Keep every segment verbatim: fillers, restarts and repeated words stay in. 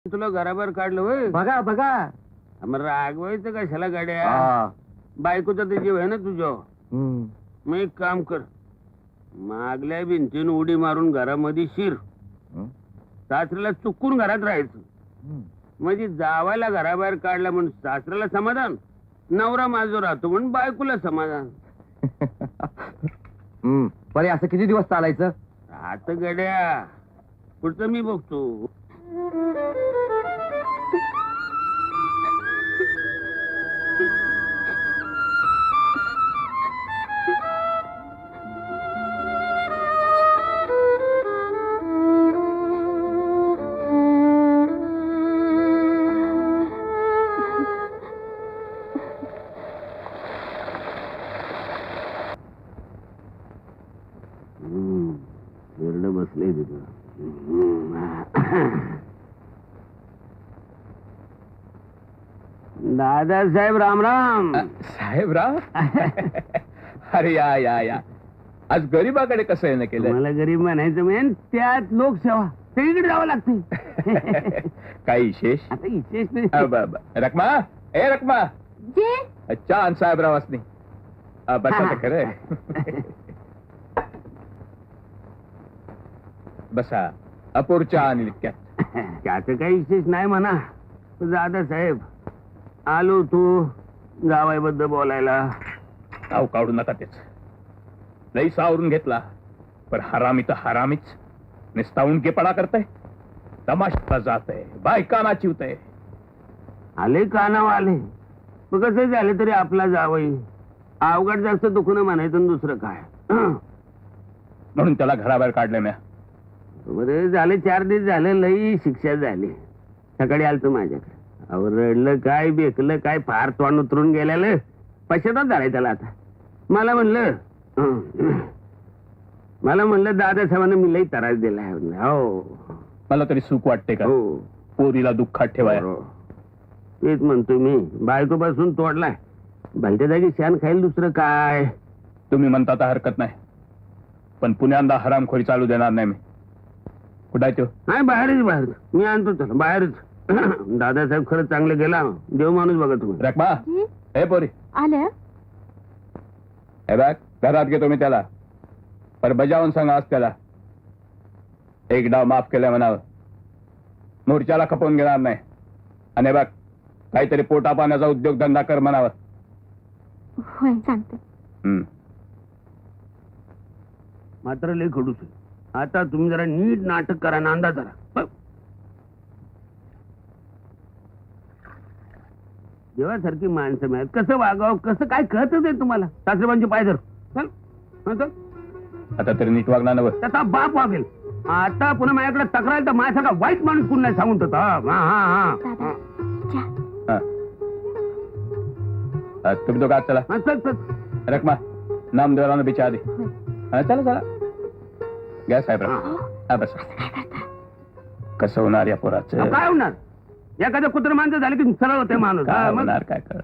तुला घराबाहेर काढलं होय? बघा बघा. मग रागवायचं कशाला गाड्या? बायकोचा तर जीव आहे ना तुझ्या. मग एक काम कर, मागल्या भिंतीन उडी मारून घरामध्ये शिर. सासऱ्याला चुकून घरात राहायचं, म्हणजे जावायला घराबाहेर काढला म्हणून सासऱ्याला समाधान, नवरा माझो राहतो म्हणून बायकोला समाधान. बरे असं किती दिवस चालायचं? आता गड्या पुढचं मी बघतो. बसले तिथं दादासाहेब राम राम. साहेब राम. अरे या या या आज गरीबाकडे कसं येणं केलं? मला गरीब म्हणायचं मेन त्यात लोकसेवा सगळीकडे जावं लागते. काही विशेष? आता विशेष नाही. रकमा ए रकमा जे अच्छा आणि साहेबराव असणे बसा तर खरं. बसा अपूरच्या आणि लिक्क्यात. त्याचं काही विशेष नाही म्हणा. दादासाहेब आलो तू जावाईबद्दल बोलायला. नाव काढू नका तेच. लई सावरून घेतला पण हरामी तर हरामीच. निस्तावून केपणा करताय, तमाशा जात आहे, बायकाना चिवतय. आले कानाव आले मग कसं झालं तरी आपला जावई. अवघड जास्त दुखणं म्हणायचं दुसरं काय. म्हणून त्याला घराबाहेर काढले म्या. बरे झाले चार दिवस झाले लई शिक्षा झाली. सकाळी आलतो माझ्याकडे. अहो रडलं काय बेकलं काय फार तोंड उतरून गेलेलं. पश्चाताप झालाय त्याला. आता मला म्हणलं मला म्हणलं दादासाहेबांना मी लई त्रास दिलाय. हो मला तरी सुख वाटते का हो पोरीला दुःखात ठेवाय? तेच म्हणतो मी. बायको पासून तोडलाय, भलत्या जागी शान खाईल दुसरं काय. तुम्ही म्हणता तर हरकत नाही, पण पुण्यांदा हरामखोरी चालू देणार नाही मी. कुठं आहे तो? नाही बाहेरच बाहेर. मी आणतो त्याला बाहेरच. दादासाहेब खरंच चांगलं गेला. देव माणूस बघा तुम्ही. रकमा हे पोरी आल्या. हे बघ घरात घेतो मी त्याला, पर बजावून सांगा आज त्याला एक डाव माफ केलाय म्हणावं. मोर्चाला खपवून घेणार नाही. आणि बघ काहीतरी पोटा पाण्याचा उद्योगधंदा कर म्हणावं. होय सांगते. हम्म मात्र लय खडूस आहे. आता तुम्ही जरा नीट नाटक करा, नांदा जरा. देवासारखी माणसं मिळत कसं वागावं कसं काय कळतच आहे तुम्हाला. सासरेबांचे पाय धर. चल हं, चल. आता तरी नीट वागणार नव. त्याचा बाप वागेल. आता पुन्हा माझ्याकडे तक्रार तर माझ्यासारखा वाईट माणूस कोण नाही सांगून ठेवतो. हा हा हा दादा हा. चहा. हा, तुम्ही तो का चला. हा, चल चल. रकमा नामदेवाला बिचा आधी. होय. हा चला चला घ्या साहेब. हा बस. कसं होणार या पोराचं? काय होणार? एखादं कुत्र माणसं झालं की सरळ होते माणूस. काय हा, मग होणार काय कळ.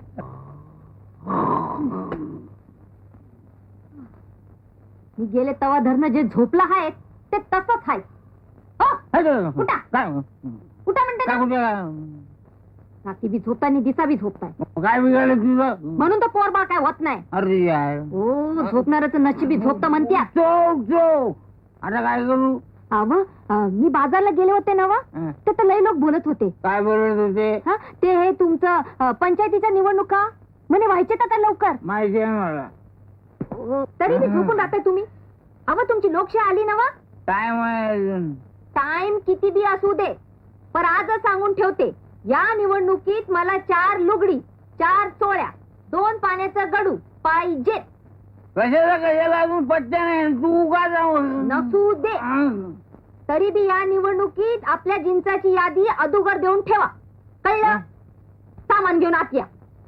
मी गेले तवा धरणं जे झोपला आहे ते तसंच आहे. हो, उठा. काय उठा म्हणते ना. रात्री बी झोपताय आणि दिसा बी झोपताय. काय बिघडलं तुझं? म्हणून तर पोरबाळ काय होत नाही. अरे यार हो झोपणाऱ्याचं नशिबी झोपतं म्हणत्या. चोक चोक. आता काय करू? अव मी बाजारला गेले होते ना व, हं. ते तर लई लोक बोलत होते. काय बोलत होते? हा ते हे तुमचं अ, पंचायतीच्या निवडणुका म्हणे व्हायचे तर लवकर. माहिती आहे मला. अ, तरी बी झोपून राहताय तुम्ही. अव तुमची लोकशाही आली ना व. काय माहिती? टाइम किती बी असू दे, पण आजच सांगून ठेवते, या निवडणुकीत मला चार लुगडी, चार चोळ्या, दोन पाण्याचं गडू पाहिजे. कशाला कशाला अजून पट्ट्या नाही. तू का जाऊ नसू दे, तरी बी या निवडणुकीत आपल्या जिंचाची यादी अदुगर देऊन ठेवा. कळलं? सामान घेऊन आत या.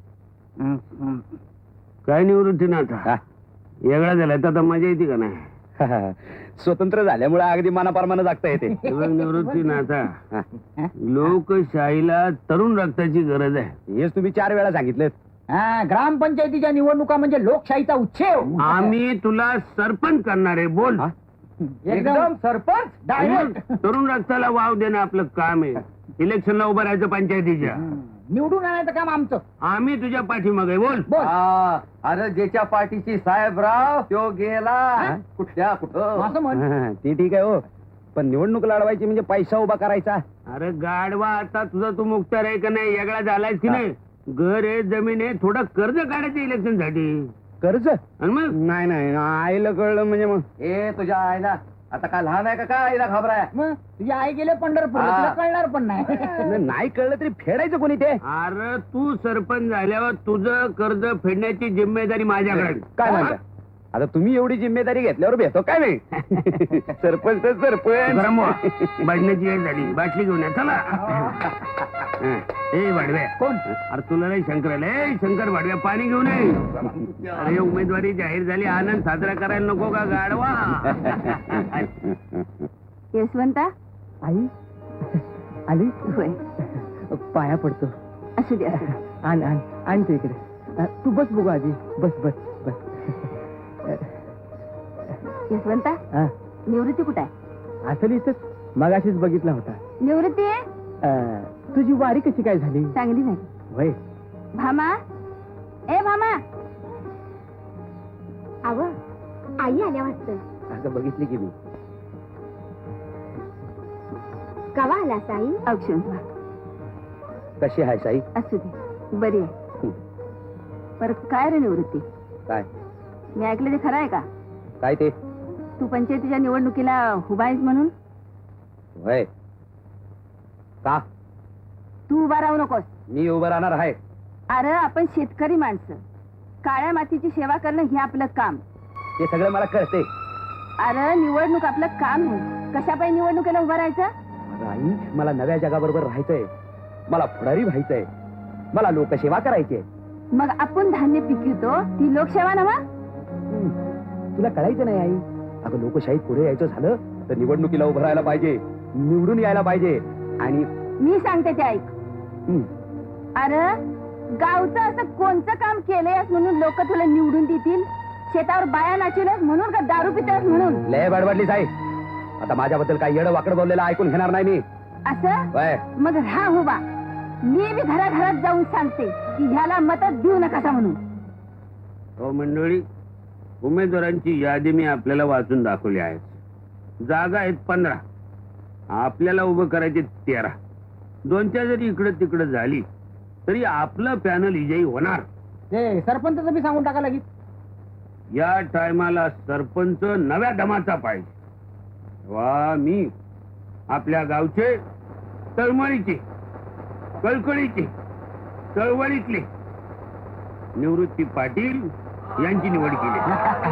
काय निवृत्ती ना आता वेगळा झालाय तर आता मजा येते का नाही. स्वतंत्र झाल्यामुळे अगदी मनाप्रमाणे जगता येते. निवृत्ती ना आता लोकशाहीला तरुण रक्ताची गरज आहे. हेच तुम्ही चार वेळा सांगितलं. ग्रामपंचायतीच्या निवडणुका म्हणजे लोकशाहीचा उच्छेव. आम्ही तुला सरपंच करणार आहे. बोल. एकदम सरपंच डायरेक्ट. तरुण रक्ताला वाव देणं आपलं काम आहे. इलेक्शनला उभं राहायचं पंचायतीच्या. निवडून आणायचं काम आमचं. आम्ही तुझ्या पाठीमागे बोल. बोल. अरे ज्याच्या पाठीची साहेबराव तो गेला कुठल्या कुठं. असं म्हण. ते ठीक आहे हो, पण निवडणूक लढवायची म्हणजे पैसा उभा करायचा. अरे गाडवा, आता तुझा तू मुक्तार आहे का नाही, वेगळा झालायस की नाही? घर आहे, जमीन आहे, थोडं कर्ज काढायचं इलेक्शन साठी. कर्ज आणि मग नाही नाही आईला कळलं म्हणजे मग ए तुझ्या आईला आता काय लहान आहे का काय आईला घाबराय. मग तुझी आई गेले पंढरपूर, हा. तुला कळणार पण नाही. नाही कळलं तरी फेडायचं कोणी ते. अरे तू सरपंच झाल्यावर तुझं कर्ज फेडण्याची जिम्मेदारी माझ्याकडे. काय म्हणता आता तुम्ही एवढी जिम्मेदारी घेतल्यावर भेटतो काय नाही. सरपंच तर सरपंच. बजण्याची वेळ झाली, बाटली घेऊन या चला. ए भाडव्या, कोण? अरे तुला नाही शंकर आले, शंकर भाडव्या पाणी घेऊन ये. अरे उमेदवारी जाहीर झाली, आनंद साजरा करायला नको का गाडवा? यशवंता आई आली. होय, पाया पडतो. असू दे असू दे. आण आण आणते इकडे. तू बस बघू आजी, बस बस बस. यशवंता, हा, निवृत्ती कुठे आहे? असं इथंच मगाशीच बघितला होता. निवृत्ती आहे? अं, तुझी वारी कशी काय झाली? चांगली झाली. वय भामा, ए भामा. आव, आई आल्या वाटतं. असं बघितली की मी. कवा आला साई? औक्षण. कशी आहे साई? असू दे, बरी आहे. पर काय रे निवृत्ती, काय मी ऐकलं ते खरं आहे का? काय ते तू पंचायतीच्या निवडणुकीला उभा आहेस म्हणून? वय का तू उभा राहू नकोस. मी उभं राहणार आहे. अरे आपण शेतकरी माणसं, काळ्या मातीची सेवा करणं हे आपलं काम. ते सगळं मला कळते. अरे निवडणूक आपलं काम आहे. कशापायी निवडणुकीला उभं राहायचं? माझं आई, मला नव्या जगाबरोबर राहायचंय. मला पुढारी व्हायचंय. मला लोकसेवा करायची आहे. मग आपण धान्य पिकवतो ती लोकसेवा नव्हा? तुला कळायचं नाही आई. अगं लोकशाहीत पुढे यायचं झालं तर निवडणुकीला उभं राहायला पाहिजे, निवडून यायला पाहिजे. आणि मी सांगते ते ऐक. हं, अरे गावचं असं कोणतं काम केलंयस म्हणून लोक तुला निवडून देतील? शेतावर बाया नाचवल्यास म्हणून का दारू पितास म्हणून? लय बडबडलीस आई. आता माझ्याबद्दल काही येडं वाकडं बोललेलं ऐकून घेणार नाही मी. असं वय मग राहा उभा. मी बी घराघरात जाऊन सांगते की ह्याला मदत देऊ नका म्हणून. हो मंडळी, उमेदवारांची यादी मी आपल्याला वाचून दाखवली आहे. जागा आहेत पंधरा, आपल्याला उभं करायचे तेरा. दोनच्या जरी इकडं तिकडं झाली तरी आपलं पॅनल विजयी होणार. ते सरपंच बी सांगून टाका लागेल. या टायमाला सरपंच नव्या दमाचा पाहिजे. वा मी आपल्या गावचे तळमळीचे, कळकळीचे, चळवळीतले निवृत्ती पाटील यांची निवड केली.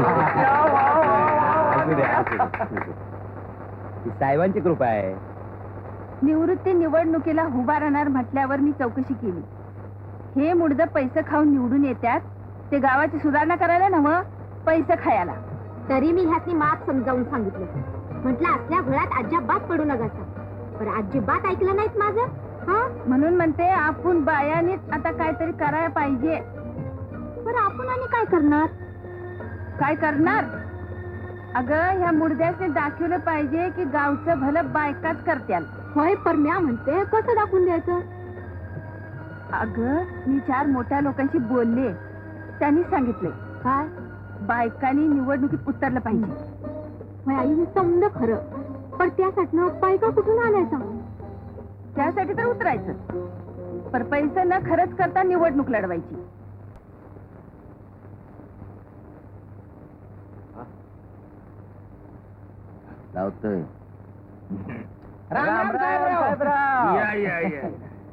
साहेबांची कृपा आहे. निवृत्ती निवडणुकीला उभा राहणार म्हटल्यावर मी चौकशी केली. हे मुडद पैसे खाऊन निवडून येतात, ते गावाची सुधारणा करायला नव्ह, पैसे खायला. तरी मी ह्यातनी माप समजावून सांगितलं. म्हटलं असल्या घरात अजिबात पडू नका. पण अजिबात ऐकलं नाहीत माझं. हा, म्हणून म्हणते आपण बायानीच आता काहीतरी करायला पाहिजे. बरं आपण आणि काय करणार? काय करणार? अगं ह्या मुडद्याने दाखवलं पाहिजे की गावचं भलं बायकाच करत्याल. होय, पर म्या म्हणते कसं दाखवून द्यायचं? अगं मी चार मोठ्या लोकांशी बोलले, त्यांनी सांगितले काय? बायकांनी निवडणुकीत उतरलं पाहिजे. होय आई, हे समज खरं, पण त्यासाठी बायका कुठून आणायचा? त्यासाठी तर उतरायचं, पर पैसे न खरंच करता निवडणूक लढवायची. लावतोय. राम राम साहेबराव. या या या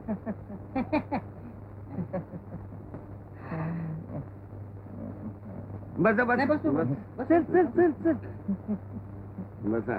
बसा नाही, बसा बसू, बसा. बस. चल चल चल चल. बसा.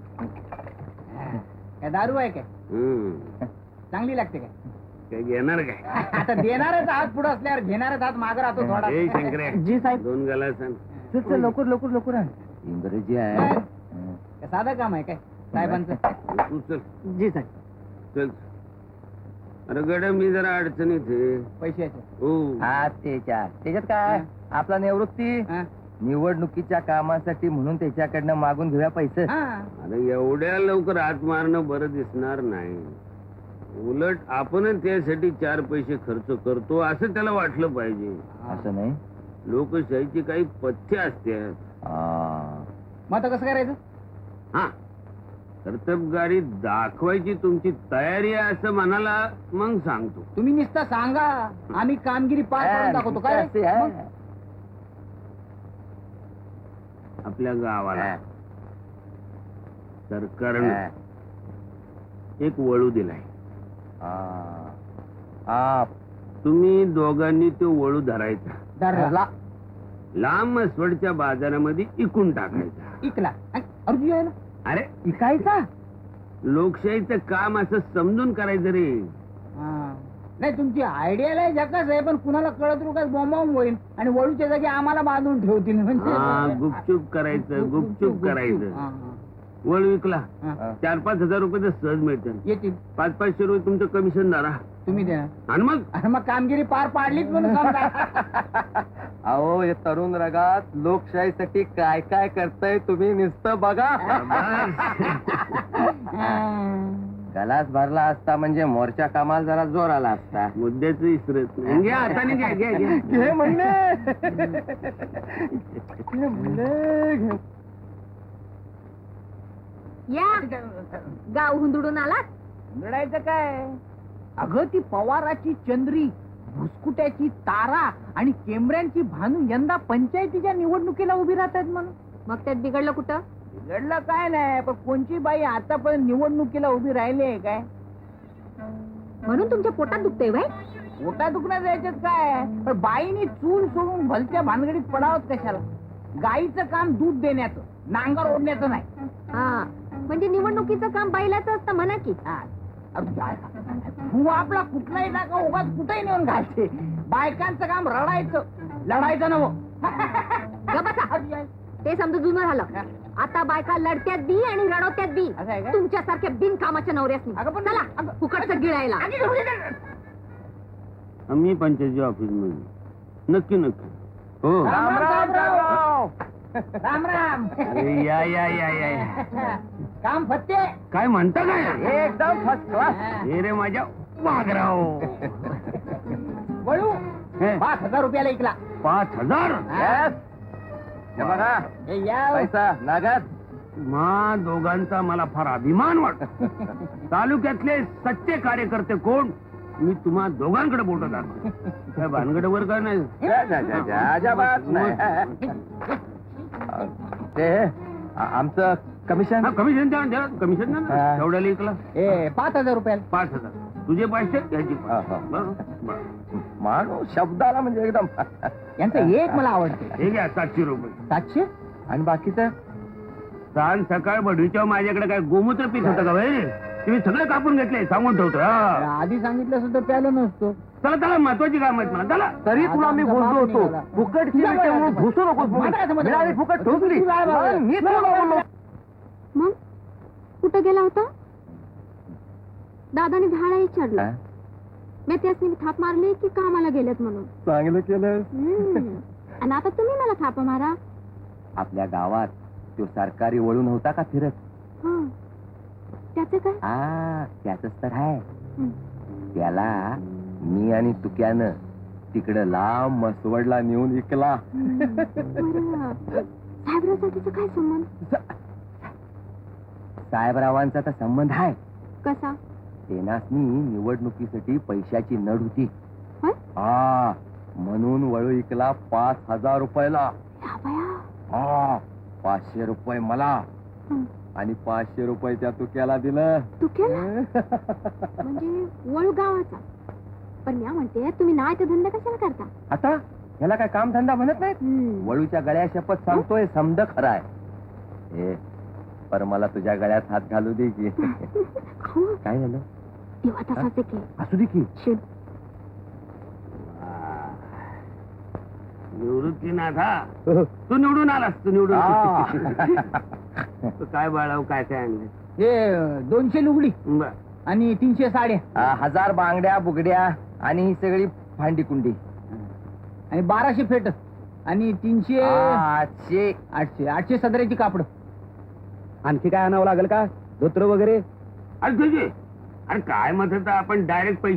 काय दारू आहे काय? हम्म. चांगली लागते काय? काय घेणार काय? आता देणारच हात पुढे असल्यावर घेणारच हात मागे राहतो थोडा. ए शंकर्या, जी साहेब. दोन गाला सांग. चल चल लवकर लवकर लवकर आण. इंग्रजी काय? आहे. काय साधं काम आहे काय साहेबांचं? तू चल जी साहेब. चल. अरे गड्या मी जरा अडचणीत आहे. पैशाचे. हो. हा त्याच्या त्याच्यात काय आपला निवृत्ती हा. निवडणुकीच्या कामासाठी म्हणून त्याच्याकडनं मागून घेऊया पैसे. हा. अरे एवढ्या लवकर हात मारणं बरं दिसणार नाही. उलट आपणच त्यासाठी चार पैसे खर्च करतो असं त्याला वाटलं पाहिजे. असं नाही. लोकशाहीची काही पथ्य असतात. मग आता कसं करायचं? हा, कर्तबगारी दाखवायची तुमची तयारी आहे असं म्हणाला मग सांगतो. तुम्ही नुसतं सांगा, आम्ही कामगिरी पार पाडून दाखवतो. काय मग? आपल्या गावाला सरकारनं एक वळू दिलाय. तुम्ही दोघांनी तो वळू धरायचा, धरला, लांब मसवडच्या बाजारामध्ये इकून टाकायचा. इकला. अर्जुन यायला अरे इकायचा? लोकशाहीचं काम असं समजून करायचं रे. हा. नाही, तुमची आयडिया लय झकास आहे, पण कुणाला कळत रुकाच बॉम्ब होईल आणि वळूच्या जागी आम्हाला बांधून ठेवतील. हा, म्हणजे गुपचूप करायचं, गुपचूप करायचं. हा, वळू विकला, हा. चार पाच हजार रुपये तर सहज मिळतील. येतील. पाच पाचशे रुपये तुमचं कमिशन धरा तुम्ही द्या. आणि मग आणि मग कामगिरी पार पाडलीच म्हणून समजा. अहो हे तरुण रगात लोकशाहीसाठी काय काय करताय तुम्ही नुसतं बघा. गलास भरला असता म्हणजे मोर्चा कामाला जरा जोर आला असता. मुद्द्याच विसरत नाही. घ्या हाताने घ्या घ्या घ्या घे म्हणले घे म्हणले घे. या गाव हुंदडून आलात. लढायचं काय? अगं ती पवाराची चंद्री, भुसकुट्याची तारा आणि केमऱ्यांची भानू यंदा पंचायतीच्या निवडणुकीला उभी राहतात म्हणून. मग त्यात बिघडलं कुठं? बिघडलं काय नाही, पण कोणची बाई आतापर्यंत निवडणुकीला उभी राहिली आहे काय? म्हणून तुमच्या पोटात दुखतंय बाई. पोटा दुखण्यात यायच्यात काय, पण बाईनी चूल सोडून भलत्या भानगडीत पडावत कशाला? गाईचं काम दूध देण्याचं, नांगर ओढण्याचं नाही. हा, म्हणजे निवडणुकीचं काम बैलाचं असतं म्हणा की. हा. अरे काय? तू आपला कुठलाही टाका उगाच कुठेही नेऊन घालते. बायकांचं काम रडायचं, लढायचं नव. ग बसा. ते समजा जुनं झालं. आता बायका लढत्यात बी आणि रडवत्यात बी. असं आहे का? तुमच्यासारख्या बिनकामाच्या नवऱ्यासनी. अगं पण- चला अगं- फुकटचं गिळायला. आम्ही पंचायती ऑफिस मध्ये नक्की नक्की. हो, राम राम राम राम राम. अरे या या या या या. काम फत्ते. काय म्हणता काय? एकदम फर्स्ट क्लास. हे रे माझ्या वाघराव. वळू हे, पाच हजार रुपयाला ऐकला. पाच हजार Yes. हे बघा हे या. पैसा नागात. मा दोघांचा मला फार अभिमान वाटतो. तालुक्यातले सच्चे कार्यकर्ते कोण? मी तुम्हा दोघांकडे बोलत आहे. काय भानगडवर काय नाही. जा, जा, जा, जा, अजिबात नाही. ते आ- आमचं कमिशन. हा, कमिशन द्या द्या कमिशन द्या ना. हा. तेवढ्याला ऐकला ए पाच हजार रुपयाला. पाच हजार. तुझे पैसे याची हा, हा. माणूस शब्दाला म्हणजे एकदम. यांचं एक मला आवडते. हे घ्या सातशे रुपये. सातशे. आणि बाकीचं सांग सकाळ बढीच्या माझ्याकडे काय गोमूत्र पीठ होतं का भाई? तुम्ही सगळं कापून घेतले सांगून ठेवतो. हा. आधी सांगितलं सुद्धा प्यालो नसतो. चला चला महत्वाची काम आहेत मला. चला तरी तुला मी बोललो होतो फुकटची मिळते म्हणून घुसू नकोस म्हणून. मिळाली फुकट ठोकली. म्हणून मी तुला बोललो. मग कुठं गेला होता? दादाने झाडा विचारलं. मी त्यासनी थाप मारली की कामाला गेलेत म्हणून. चांगलं केलं. हम्म. आणि आता तुम्ही मला थाप मारा. आपल्या गावात तो सरकारी वळू नव्हता का फिरत? हा, त्याचं काय? हा त्याच तर आहे. हं. त्याला मी आणि तुक्यानं तिकडं लांब मसवडला नेऊन विकला. बरं. साहेबरावचा त्याचा काय संबंध? साहेबरावांचा तर संबंध आहे. कसा? तेनासनी निवडणुकीसाठी पैशाची नड होती. होय? हा म्हणून वळू विकला पाच हजार रुपयाला. या बया. हा पाचशे रुपये मला हं. आणि पाचशे रुपये त्या तुक्याला दिलं. तू केला म्हणजे वळू गावाचा. पण मी म्हणते तुम्ही नाही तर धंदा कशाला करता? आता ह्याला काय काम धंदा म्हणत नाहीत. हम्म. वळूच्या गळ्या शपथ सांगतोय समद खरा आहे. ए पर मला तुझ्या गळ्यात हात घालू दे की. अहो, काय झालं? तेव्हा तसाच आहे की. असू दे की. शिट. निवृत्तीनाथा तू निवडून आलास. तू निवडून तू काय बाळाव काय काय आणलं? हे दोनशे लुगडी बर. आणि तीनशे साड्या आ, हजार बांगड्या बुगड्या आणि ही सगळी भांडी कुंडी. आणि बाराशे फेट आणि तीनशे आठशे. आठशे आठशे सदऱ्याची कापड. आणखी काय आणावं लागेल का? धोत्र वगैरे? अरे तुझे अरे काय मत तर आपण डायरेक्ट पैसे